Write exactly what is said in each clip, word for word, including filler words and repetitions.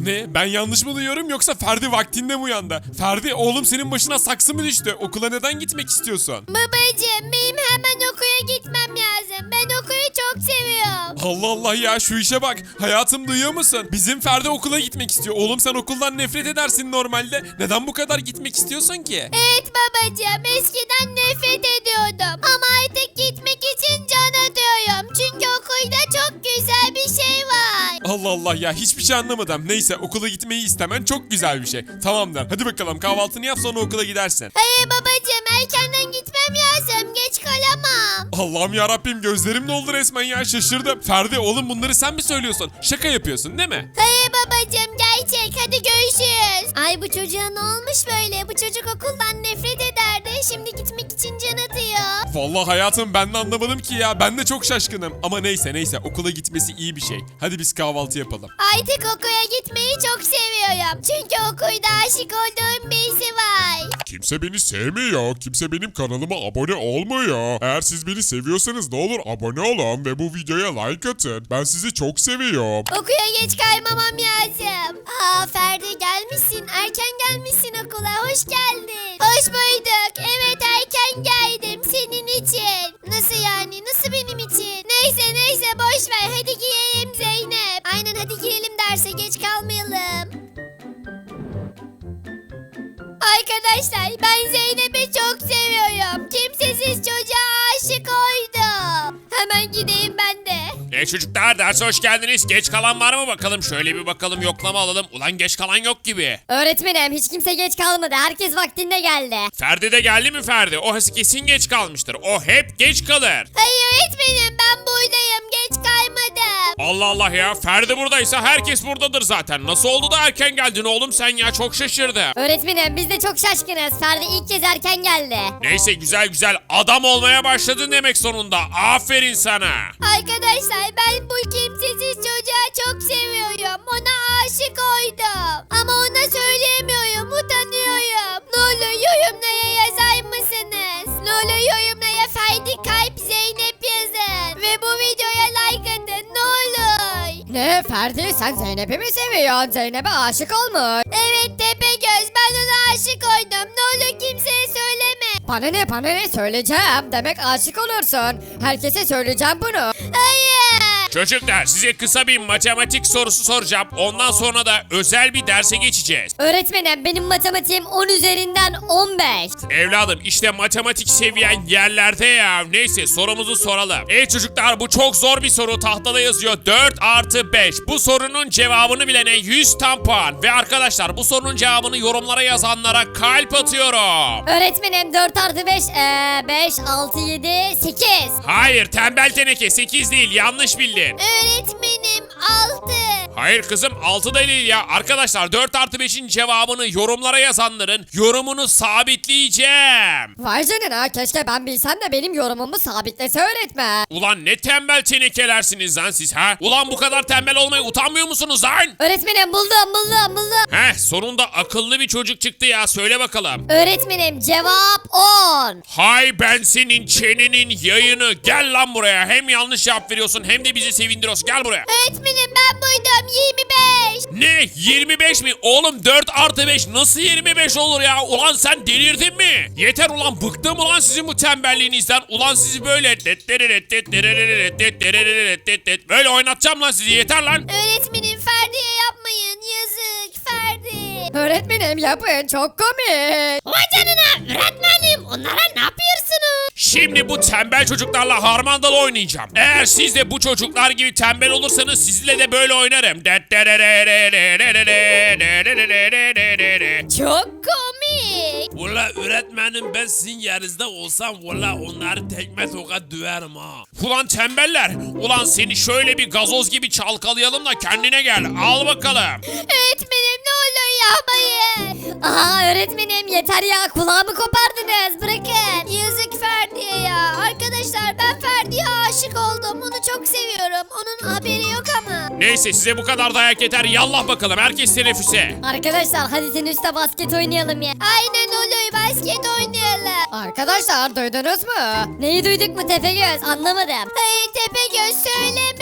Ne? Ben yanlış mı duyuyorum yoksa Ferdi vaktinde mi uyandı? Ferdi oğlum senin başına saksı mı düştü? Okula neden gitmek istiyorsun? Babacım benim hemen okula gitmem lazım. Ben okulu çok seviyorum. Allah Allah ya şu işe bak. Hayatım duyuyor musun? Bizim Ferdi okula gitmek istiyor. Oğlum sen okuldan nefret edersin normalde. Neden bu kadar gitmek istiyorsun ki? Evet babacım eskiden nefret ediyordum. Ama artık gitmek için can atıyorum. Çünkü okulda çok güzel bir şey var. Allah Allah ya hiçbir şey anlamadım. Neyse okula gitmeyi istemen çok güzel bir şey. Tamamdır. Hadi bakalım kahvaltını yap sonra okula gidersin. Hayır babacım erkenden gitmem lazım. Geç kalamam. Allah'ım ya Rabbim gözlerim doldu resmen ya şaşırdım. Ferdi oğlum bunları sen mi söylüyorsun? Şaka yapıyorsun değil mi? Hayır babacım gerçek. Hadi görüşürüz. Ay bu çocuğa ne olmuş böyle? Bu çocuk okuldan nefret ederdi. Şimdi gitmek için can atıyor. Vallahi hayatım ben de anlamadım ki ya. Ben de çok şaşkınım. Ama neyse neyse okula gitmesi iyi bir şey. Hadi biz kahvaltı yapalım. Artık okula gitmeyi çok seviyorum. Çünkü okulda aşık olduğum birisi var. Kimse beni sevmiyor. Kimse benim kanalıma abone olmuyor. Eğer siz beni seviyorsanız ne olur abone olun ve bu videoya like atın. Ben sizi çok seviyorum. Okula geç kaymamam lazım. Aa Ferdi gelmişsin. Erken gelmişsin okula. Hoş geldin. Hoş bulduk. Evet erken geldim senin için. Nasıl yani? Nasıl benim için? Neyse neyse boş ver. Hadi giyelim Zeynep. Aynen hadi girelim derse geç kalmayalım. Arkadaşlar ben Zeynep'i çok seviyorum. Kimsesiz çocuğa aşık oldum. Hemen gideyim ben de. E çocuklar derse hoş geldiniz. Geç kalan var mı bakalım? Şöyle bir bakalım yoklama alalım. Ulan geç kalan yok gibi. Öğretmenim hiç kimse geç kalmadı. Herkes vaktinde geldi. Ferdi de geldi mi Ferdi? O kesin geç kalmıştır. O hep geç kalır. Hayır öğretmenim ben buradayım. Geç kaymadım. Allah Allah ya. Ferdi buradaysa herkes buradadır zaten. Nasıl oldu da erken geldin oğlum sen ya? Çok şaşırdım. Öğretmenim biz de çok şaşkınız. Ferdi ilk kez erken geldi. Neyse güzel güzel adam olmaya başladın demek sonunda. Aferin sana. Arkadaşlar ben bu kimsesiz çocuğa çok seviyorum. Ona aşık oldum. Ama ona söyleyemiyorum. Utanıyorum. Ne olur yorumlara yazar mısınız? Ne olur yorumlara Ferdi Kalp Zeynep yazın. Ve bu videoya like atın. Ne olur. Ne Ferdi sen Zeynep'i mi seviyorsun? Zeynep'e aşık olmuş. Evet Tepegöz ben ona aşık oldum. Ne olur kimseye söyleme. Bana ne bana ne söyleyeceğim. Demek aşık olursun. Herkese söyleyeceğim bunu. Hayır. Çocuklar size kısa bir matematik sorusu soracağım. Ondan sonra da özel bir derse geçeceğiz. Öğretmenim benim matematiğim on üzerinden on beş. Evladım işte matematik seviyen yerlerde ya. Neyse sorumuzu soralım. Ey çocuklar bu çok zor bir soru. Tahtada yazıyor dört artı beş. Bu sorunun cevabını bilene yüz tam puan. Ve arkadaşlar bu sorunun cevabını yorumlara yazanlara kalp atıyorum. Öğretmenim dört artı beş, ee, beş, altı, yedi, sekiz. Hayır tembel teneke sekiz değil yanlış bildin. Öğretmenim altı. Hayır kızım altı da değil ya. Arkadaşlar dört artı beşin cevabını yorumlara yazanların yorumunu sabitleyeceğim. Vay canına keşke ben bilsem de benim yorumumu sabitlese öğretmen. Ulan ne tembel tenekelersiniz lan siz ha? Ulan bu kadar tembel olmaya utanmıyor musunuz lan? Öğretmenim buldum buldum buldum. Heh sonunda akıllı bir çocuk çıktı ya söyle bakalım. Öğretmenim cevap on. Hay ben senin çenenin yayını gel lan buraya. Hem yanlış cevap veriyorsun hem de bizi sevindiriyorsun gel buraya. Öğretmenim ben buydum yirmi beş. Ne yirmi beş mi? Oğlum dört artı beş nasıl yirmi beş olur ya? Ulan sen delirdin mi? Yeter ulan bıktım ulan sizin bu tembelliğinizden. Ulan sizi böyle böyle oynatacağım lan sizi yeter lan. Öğretmenim Ferdi'ye yapmayın yazık Ferdi. Öğretmenim yapın çok komik. Vay canına öğretmenim onlara ne yapıyorsunuz? Şimdi bu tembel çocuklarla harmandalı oynayacağım. Eğer siz de bu çocuklar gibi tembel olursanız sizinle de böyle oynarım. Çok komik. Valla öğretmenim ben sizin yerinizde olsam valla onları tekme tokat döverim ha. Ulan tembeller. Ulan seni şöyle bir gazoz gibi çalkalayalım da kendine gel. Al bakalım. Öğretmenim ne olur yapmayın. Aha öğretmenim yeter ya kulağımı kopardınız bırakın. Yazık Ferdi'ye ya. Arkadaşlar ben Ferdi'ye aşık oldum. Onu çok seviyorum. Onun haberi yok ama. Neyse size bu kadar dayak yeter. Yallah bakalım herkes teneffüse. Arkadaşlar hadi teniste basket oynayalım ya. Aynen olur basket oynayalım. Arkadaşlar duydunuz mu? Neyi duyduk mu Tepegöz anlamadım. Hayır Tepegöz söyleme.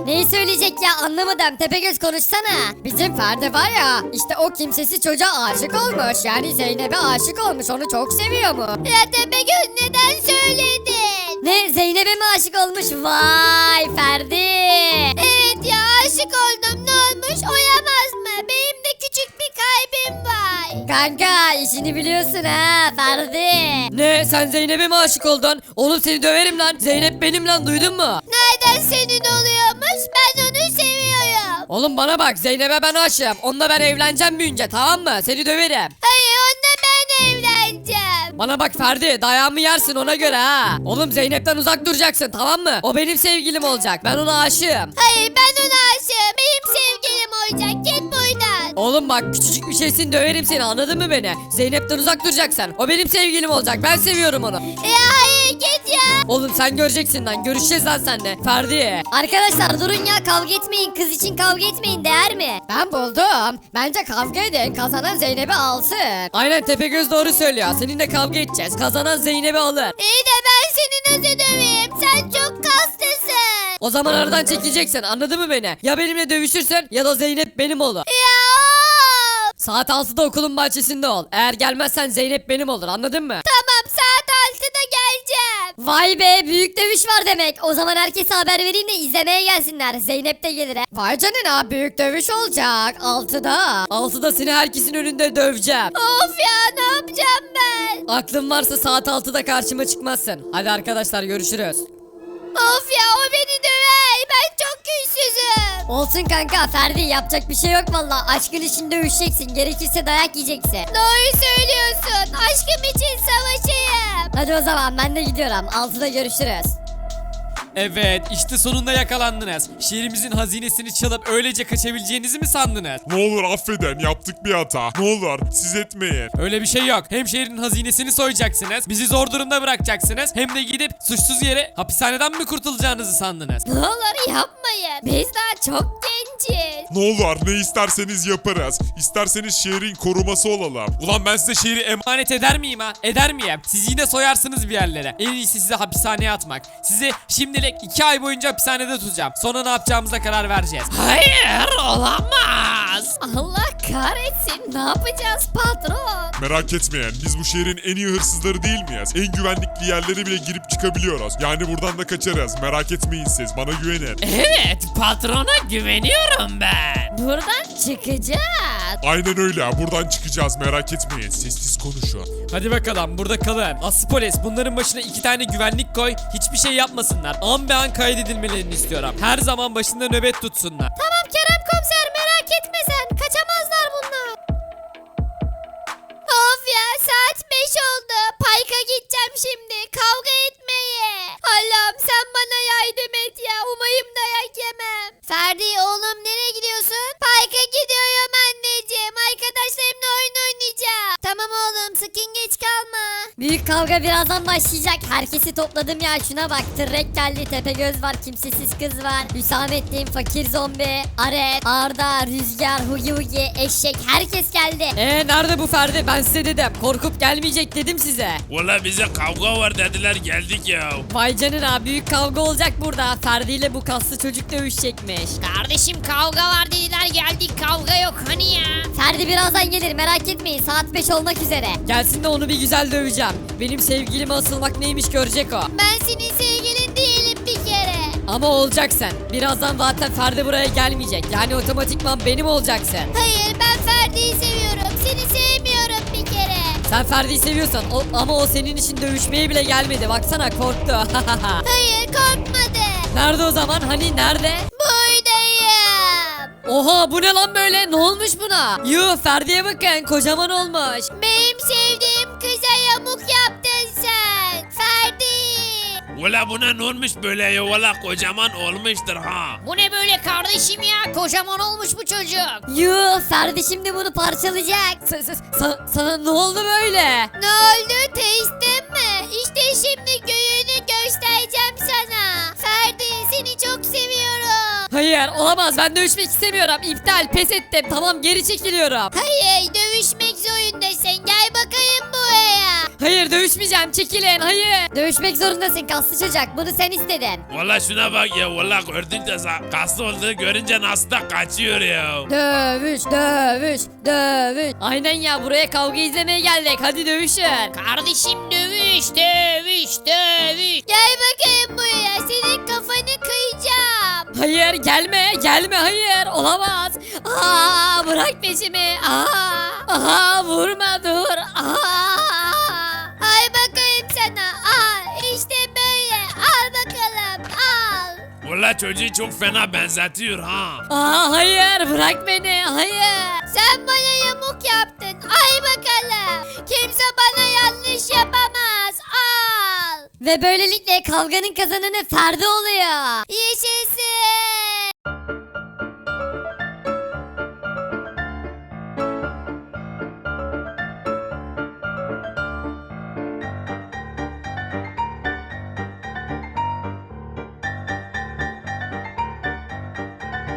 Neyi söyleyecek ya anlamadım. Tepegöz konuşsana. Bizim Ferdi var ya işte o kimsesiz çocuğa aşık olmuş. Yani Zeynep'e aşık olmuş. Onu çok seviyor mu? Ya Tepegöz neden söyledin? Ne Zeynep'e mi aşık olmuş? Vay Ferdi. Evet ya aşık oldum, ne olmuş, oyamaz mı? Benim de küçük bir kalbim var. Kanka işini biliyorsun ha Ferdi. Ne sen Zeynep'e mi aşık oldun? Oğlum seni döverim lan. Zeynep benim lan duydun mu? Nereden senin oluyormuş? Ben onu seviyorum. Oğlum bana bak Zeynep'e ben aşığım. Onunla ben evleneceğim büyünce tamam mı? Seni döverim. Hayır, onunla ben evleneceğim. Bana bak Ferdi dayağımı yersin ona göre ha. Oğlum Zeynep'ten uzak duracaksın tamam mı? O benim sevgilim olacak. Ben ona aşığım. Hayır, ben ona aşığım. Benim sevgilim olacak. Git buradan. Oğlum bak küçücük bir şeysin döverim seni anladın mı beni? Zeynep'ten uzak duracaksın. O benim sevgilim olacak. Ben seviyorum onu. Ya hayır, git ya. Oğlum sen göreceksin lan. Görüşeceğiz lan seninle. Ferdi. Arkadaşlar durun ya kavga etmeyin. Kız için kavga etmeyin değer mi? Ben buldum. Bence kavga edin. Kazanan Zeynep'i alsın. Aynen Tepegöz doğru söylüyor. Seninle kavga edeceğiz. Kazanan Zeynep'i alır. İyi de ben seni nasıl döveyim? Sen çok kaslısın. O zaman aradan çekileceksin anladın mı beni? Ya benimle dövüşürsün ya da Zeynep benim olur. Ya of. Saat altıda okulun bahçesinde ol. Eğer gelmezsen Zeynep benim olur anladın mı? Tamam, saat altıda geleceğim. Vay be büyük dövüş var demek. O zaman herkese haber vereyim de izlemeye gelsinler. Zeynep de gelir. he. Vay canına büyük dövüş olacak. altıda. altıda seni herkesin önünde döveceğim. Of ya, ne yapacağım ben? Aklın varsa saat altıda karşıma çıkmazsın. Hadi arkadaşlar görüşürüz. Of ya, o beni döver. Ben çok güçsüzüm. Olsun kanka Ferdi yapacak bir şey yok valla. Aşkın için dövüşeceksin. Gerekirse dayak yiyeceksin. Doğru söylüyorsun. Aşkım için savaşayım. Hadi o zaman ben de gidiyorum. altıda görüşürüz. Evet işte sonunda yakalandınız. Şehrimizin hazinesini çalıp öylece kaçabileceğinizi mi sandınız? Ne olur affedin yaptık bir hata. Ne olur siz etmeyin. Öyle bir şey yok. Hem şehrin hazinesini soyacaksınız, bizi zor durumda bırakacaksınız, hem de gidip suçsuz yere hapishaneden mi kurtulacağınızı sandınız? Ne olur yapmayın. Biz daha çok genciz. Ne olur ne isterseniz yaparız. İsterseniz şehrin koruması olalım. Ulan ben size şehri emanet eder miyim ha? Eder miyim? Siz yine soyarsınız bir yerlere. En iyisi sizi hapishaneye atmak. Sizi şimdilik iki ay boyunca hapishanede tutacağım. Sonra ne yapacağımıza karar vereceğiz. Hayır olamaz. Allah kahretsin. Ne yapacağız patron? Merak etmeyin biz bu şehrin en iyi hırsızları değil miyiz? En güvenlikli yerlere bile girip çıkabiliyoruz. Yani buradan da kaçarız. Merak etmeyin siz bana güvenin. Evet patrona güveniyorum ben. Buradan çıkacağız. Aynen öyle buradan çıkacağız merak etmeyin. Sessiz konuşun. Hadi bakalım burada kalın. Aslı polis bunların başına iki tane güvenlik koy. Hiçbir şey yapmasınlar. An be an kaydedilmelerini istiyorum. Her zaman başında nöbet tutsunlar. Tamam Kerem komiser, merak etme sen. Kaçamazlar bunlar. Of ya, saat beş oldu. Parka gideceğim şimdi. Kavga etmeye. Allah'ım sen bana yardım et ya. Umayım dayak yemem. Ferdi oğlum, nereye gidiyorsun? Parka gidiyorum anneciğim. Arkadaşlarımla oyun oynayacağım. Tamam oğlum, sakın geç kalma. Büyük kavga birazdan başlayacak. Herkesi topladım ya şuna bak. Tırrek geldi, Tepegöz var, kimsesiz kız var. Hüsamettin, fakir zombi, Aref, Arda, Rüzgar, Hugi Hugi, Eşek herkes geldi. Eee nerede bu Ferdi? Ben size dedim. Korkup gelmeyecek dedim size. Valla bize kavga var dediler geldik ya. Vay canına büyük kavga olacak burada. Ferdi ile bu kaslı çocuk dövüşecekmiş. Kardeşim kavga var dediler, geldik, kavga yok hani ya. Ferdi birazdan gelir merak etmeyin. Saat beş olmak üzere. Gelsin de onu bir güzel döveceğim. Benim sevgilime asılmak neymiş görecek o. Ben senin sevgilin değilim bir kere. Ama olacaksın. Birazdan zaten Ferdi buraya gelmeyecek. Yani otomatikman benim olacaksın. Hayır, ben Ferdi'yi seviyorum. Seni sevmiyorum bir kere. Sen Ferdi'yi seviyorsan o, ama o senin için dövüşmeye bile gelmedi. Baksana korktu. Hayır, korkmadı. Nerede o zaman? Hani nerede? Buradayım. Oha bu ne lan böyle? Ne olmuş buna? Yuh Ferdi'ye bakın kocaman olmuş. Benim sevdiğim kıza yamuk yaptın sen. Ferdi. Valla buna ne olmuş böyle ya? Valla kocaman olmuştur ha. Bu ne böyle kardeşim ya? Kocaman olmuş bu çocuk. Yuh Ferdi şimdi bunu parçalayacak. Sa- sa- sa- sana ne oldu böyle? Ne oldu? Testin mi? İşte şimdi göğünü göstereceğim sana. Ferdi, seni çok seviyorum. Hayır olamaz ben dövüşmek istemiyorum. İptal pes ettim. Tamam geri çekiliyorum. Hayır, dövüşmek zorundasın. Gel bakayım buraya. Hayır dövüş dövüşmeyeceğim çekilin hayır. Dövüşmek zorundasın kaslı çocuk bunu sen istedin. Valla şuna bak ya valla gördün de sa- kaslı olduğunu görünce nasıl da kaçıyor ya. Dövüş dövüş dövüş. Aynen ya buraya kavga izlemeye geldik hadi dövüşün. Kardeşim dövüş dövüş dövüş. Gel bakayım buraya senin kafanı kıyacağım. Hayır gelme gelme hayır olamaz. Aa bırak peşimi. Aa, aha vurma dur. Aa. Al bakayım sana al işte böyle al bakalım al. Valla çocuğu çok fena benzetiyor ha. Aa hayır bırak beni hayır. Sen bana yamuk yaptın al bakalım. Kimse bana yanlış yapamaz al. Ve böylelikle kavganın kazananı Ferdi oluyor. Yaşasın.